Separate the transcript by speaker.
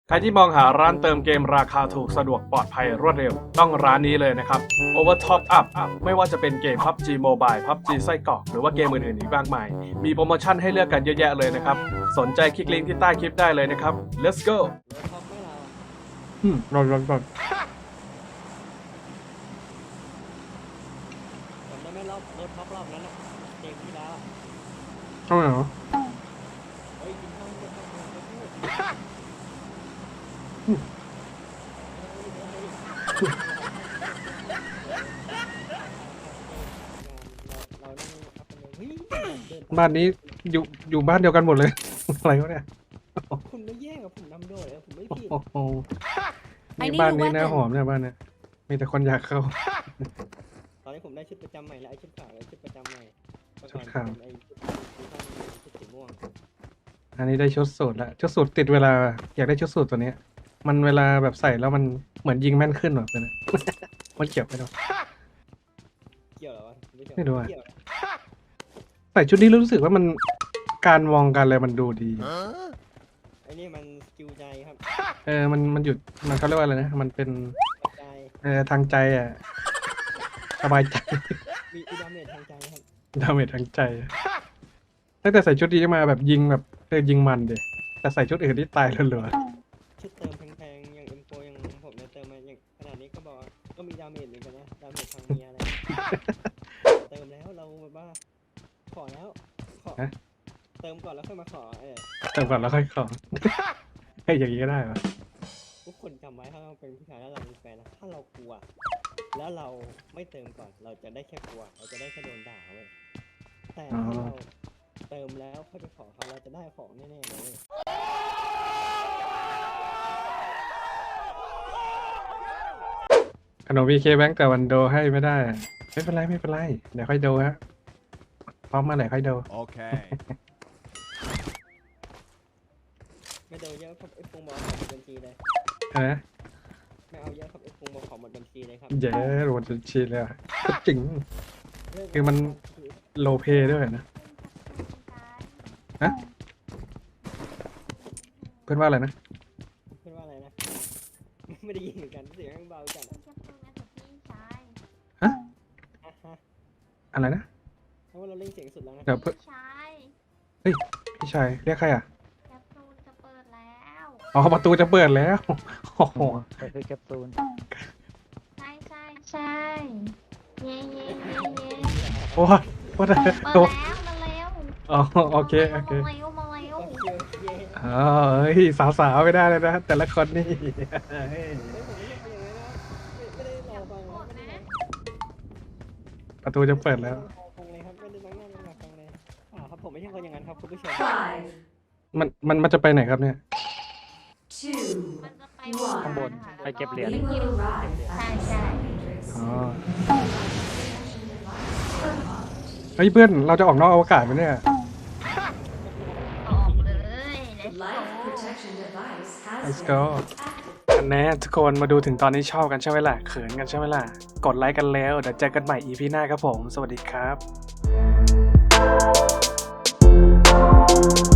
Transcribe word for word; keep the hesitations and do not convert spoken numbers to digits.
Speaker 1: ใครที่มองหาร้านเติมเกมราคาถูกสะดวกปลอดภัยรวดเร็วต้องร้านนี้เลยนะครับ Overtop Up ไม่ว่าจะเป็นเกม พับจี Mobile พับจี ไส้กรอกหรือว่าเกมอื่นๆอีกมากมายมีโปรโมชั่นให้เลือกกันเยอะแยะเลยนะครับสนใจคลิกลิงก์ที่ใต้คลิปได้เลยนะครับ let's go
Speaker 2: อืมรอรอรอ
Speaker 3: จำได้ไหมรอบรถท็อปรอบนั้นอะเกมที่แล้วอะ
Speaker 2: เข้ามาเหรอ
Speaker 3: เฮ้ยกินข้าวกินข้าวกินข้าวเราเรานั่งอัพกันเลยเฮ้ยเดิน
Speaker 2: บ้านนี้อยู่อยู่บ้านเดียวกันหมดเลย อะไรวะเนี่ย
Speaker 3: คุณไม่แย่งกับผมนำโดยอะผมไม่ผิด
Speaker 2: โอ้โหนี่บ้านนี้นะหอมเนี่ยบ้านเนี่ยมีแต่คนอยากเข้า
Speaker 3: ตอนนี้ผมได้ชุดประจำใหม่แล้วไอ้ชุดขาวแล้วชุดประจำใหม่เมื่อ
Speaker 2: ชุ
Speaker 3: ก่อ
Speaker 2: ด
Speaker 3: น
Speaker 2: ขาว
Speaker 3: เป็นไอ้ชุดสีฟ้าชุดสีม่วง
Speaker 2: อันนี้ได้ชุดสูทแล้วชุดสูทติดเวลาอยากได้ชุดสูทตัวนี้มันเวลาแบบใส่แล้วมันเหมือนยิงแม่นขึ้นแบบนี้ มันเกี่ยวไปหรอ
Speaker 3: เกี่ยวเหรอวะไม่เกี่ยว
Speaker 2: ไม่รู้อะ
Speaker 3: เกี่ยวนะ
Speaker 2: ใส่ชุดนี้รู้สึกว่ามันการมองกันอะไรมันดูดี
Speaker 3: ไอ้นี่มันสกิลใจครับ
Speaker 2: เออมันมันหยุดมันเขาเรียกว่าอะไรนะมันเป็น
Speaker 3: ใจ
Speaker 2: เออทางใจอ่ะสบายใจ
Speaker 3: มีอีดาเมจทางใจครับ
Speaker 2: ดาเมจทางใจตั้งแต่ใส่ชุดนี้มาแบบยิงแบบเออยิงมันดิแต่ใส่ชุดอื่นที่ตายรัว
Speaker 3: ชุดเติมแพงๆอย่างเอ็มโฟอย่างผมเนี่ยเติมมาอย่างขนาดนี้ก็บอกว่าก็มีดาเมจเหมือนกันนะดาเมจทางเมียอะไร เติมแล้วเราแบบว่าขอแล้วขอเติมก่อนแล้วค่อยมาขอเออ
Speaker 2: ๆแต่ก่อนแล้วค่อยขอ ให้อย่างนี้ก็ได้ปะ
Speaker 3: ทุกคนจำไว้ถ้าเราเป็นผู้ชายแล้วเรามีแฟนนะถ้าเรากลัว แล้วเราไม่เติมก่อนเราจะได้แค่กลัว เราจะได้แค่โดนด่าเว้ยแต่ถ้าเราเติมแล้วค่อยไปขอเขาเราจะได้ของแน่ๆเลยเว้ย
Speaker 2: ขนมวีเคแบงค์แต่วันโดให้ไม่ได้อะไม่เป็นไรไม่เป็นไรเดี๋ยวค่อยโดฮะพร้อมมาไหนค่อยโด
Speaker 4: Okay.
Speaker 3: ไม่เติมเยอะครับไอ้ฟงบอกขอหมดบัญชีเลย
Speaker 2: ฮะ
Speaker 3: ไม่เอาเยอะครับไอ้ฟงบอกขอหมดบัญชีเลยครับ
Speaker 2: เย้รวนจนชีเลยอะจริง คือมัน โลเพด้วยนะฮะเพื่อนว่าอะไรนะ
Speaker 3: เพื่อนว่าอะไรนะ ไม่ได้ยินเหมือนกันเสียงเบาจัดอะ
Speaker 2: ฮะ
Speaker 3: อ่ะฮะ
Speaker 2: อะไรนะ
Speaker 3: เพราะว่าเราเล่นเสียงสุดแล้วนะ
Speaker 2: เดี๋ยวเพื่อน
Speaker 5: ใช่
Speaker 2: พี่ชายเรียกใครอ่ะ
Speaker 5: แคปซูลจะเปิดแล้ว
Speaker 2: อ๋อประตูจะเปิดแล้ว โอ้โห
Speaker 6: ไปซื้อแคปซูล
Speaker 5: ใช่ใช่ใช่เย่เย่เย่เย่
Speaker 2: โอ้ยว่าแต่
Speaker 5: เปิด
Speaker 2: โอ้
Speaker 5: แล้วมาเร็ว
Speaker 2: อ๋อโอเคโอเค
Speaker 5: มาเร็วมาเร็ว
Speaker 3: โอเคโอเคเฮ้ย
Speaker 2: อ๋อเฮ้ยสาวๆไม่ได้เลยนะแต่ละคนนี่
Speaker 3: ผมไม่ได้เป็นอย่างนั้นนะไม่ไม่ได้รอฟัง
Speaker 5: ก
Speaker 3: นะ
Speaker 5: ด
Speaker 3: ไม่ได้
Speaker 5: นะ
Speaker 2: ประตูจะเปิดแล้ว
Speaker 3: รอฟังเลยครับไม่ได้ต้องนั่งรอฟังเลยอ่าครับผมไม่ใช่คนอย่างนั้นครับคุณผู้ชม
Speaker 2: มันมันมันจะไปไหนครับเนี่ย
Speaker 5: มันจะไป
Speaker 6: ข้างบนไปเก็บเหรียญ
Speaker 5: ใช่ใช่
Speaker 2: อ๋อเฮ้ยเพื่อนเราจะออกนอกอวกาศไหมเนี่ย
Speaker 5: ออกเลย
Speaker 2: let's go กันแน่ทุกคนมาดูถึงตอนนี้ชอบกันใช่ไหมล่ะเขินกันใช่ไหมล่ะกดไลค์กันแล้วเดี๋ยวเจอกันใหม่ อี พี หน้าครับผมสวัสดีครับ